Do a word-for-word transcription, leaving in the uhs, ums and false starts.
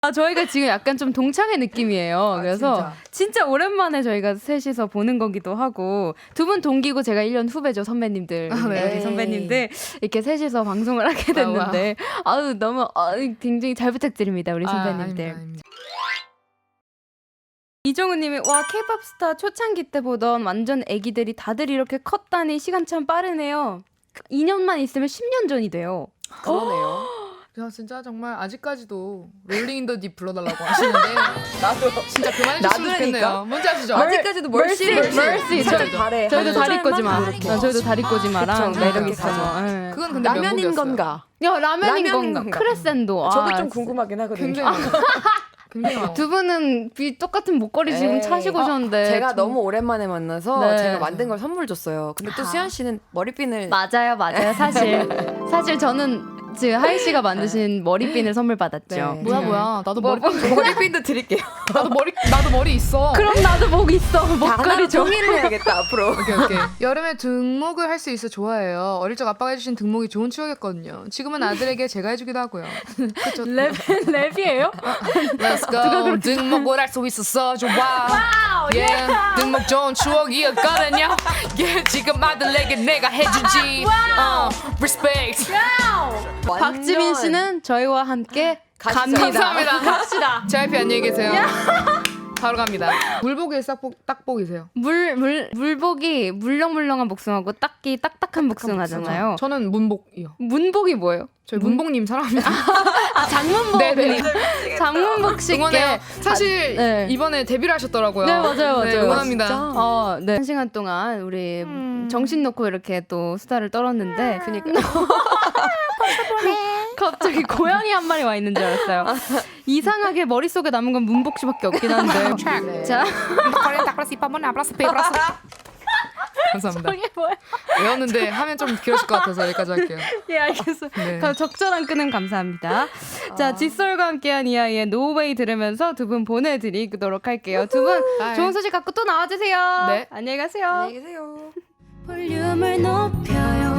아, 저희가 지금 약간 좀 동창회 느낌이에요. 아, 그래서 진짜. 진짜 오랜만에 저희가 셋이서 보는 거기도 하고 두 분 동기고 제가 일 년 후배죠. 선배님들. 아, 네. 우리 선배님들 이렇게 셋이서 방송을 하게 됐는데 아유 너무 아, 굉장히 잘 부탁드립니다. 우리 선배님들. 아, 아닙니다, 아닙니다. 이종우님이 와 K-팝 스타 초창기 때 보던 완전 애기들이 다들 이렇게 컸다니 시간 참 빠르네요. 이 년만 있으면 십 년 전이 돼요. 그러네요. 야, 진짜 정말 아직까지도 롤링 인 더 딥 불러달라고 하시는데 나도 진짜 그만해주시면 좋겠네요. 뭔지 아시죠? 아직까지도 멀씨 멀씨, 멀씨. 살짝 저- 바래. 저희도 한 다리 꼬지마. 소절만 어, 저희도 다리 꼬지마랑 그쵸, 매력 그렇게 있어서. 가죠. 예. 그건 근데 라면인 명곡이었어요. 건가? 야 라면인 라면인 건가? 건가? 크레센도. 저도 아, 좀 궁금하긴 하거든요. 굉장히 굉장히 많아. 두 분은 비 똑같은 목걸이 지금 에이. 차시고 어, 오셨는데 제가 좀- 너무 오랜만에 만나서 네. 제가 만든 걸 선물 줬어요. 근데 또 수현 씨는 머리핀을 맞아요, 맞아요. 사실 사실 저는 지금 하이 씨가 만드신 머리핀을 선물 받았죠. 네. 뭐야 뭐야 나도 뭐, 머리 머리핀도 드릴게요. 나도 머리 나도 머리 있어. 그럼 나도 목 있어. 다 목걸이 하나로 줘. 통일을 해야겠다 앞으로. 오케이 오케이. 여름에 등목을 할 수 있어 좋아해요. 어릴 적 아빠가 해주신 등목이 좋은 추억이었거든요. 지금은 아들에게 제가 해주기도 하고요. 그쵸? 랩 랩이에요? Let's go. 등목을 할 수 있었어 좋아. yeah. 등목 좋은 추억이었거든요. yeah. 지금 아들에게 내가 해주지. 어, respect. 박지민 씨는 저희와 함께 가시죠. 갑니다. 감사합니다. 갑시다. 제이피 안녕히 계세요. 바로 갑니다. 물복이 싹복 딱복이세요. 물, 물, 물복이 물렁물렁한 복숭아고 딱기 딱딱한 복숭아잖아요. 저는 문복이요. 문복이 뭐예요? 저희 문복님 사랑합니다. 아, 장문복. 네네. 장문복 씨께. 응원해요. 사실 아, 네. 이번에 데뷔를 하셨더라고요. 네, 맞아요, 맞아요. 네, 응원합니다. 아, 진짜? 어, 네. 한 시간 동안 우리 정신 놓고 이렇게 또 수다를 떨었는데 그니까 갑자기 고양이 한 마리 와 있는 줄 알았어요. 이상하게 머릿속에 남은 건 문복 씨밖에 없긴 한데. 네. 자, 감사합니다. 이게 뭐야? 외웠는데 하면 좀 길어질 것 같아서 여기까지 할게요. 예, 알겠어요. 네. 그럼 적절한 끄는 감사합니다. 자, 칫솔과 함께한 이아이의 노웨이 들으면서 두 분 보내드리도록 할게요. 두 분 바이. 좋은 소식 갖고 또 나와주세요. 네. 안녕히 가세요. 안녕히 계세요. 볼륨을 높여요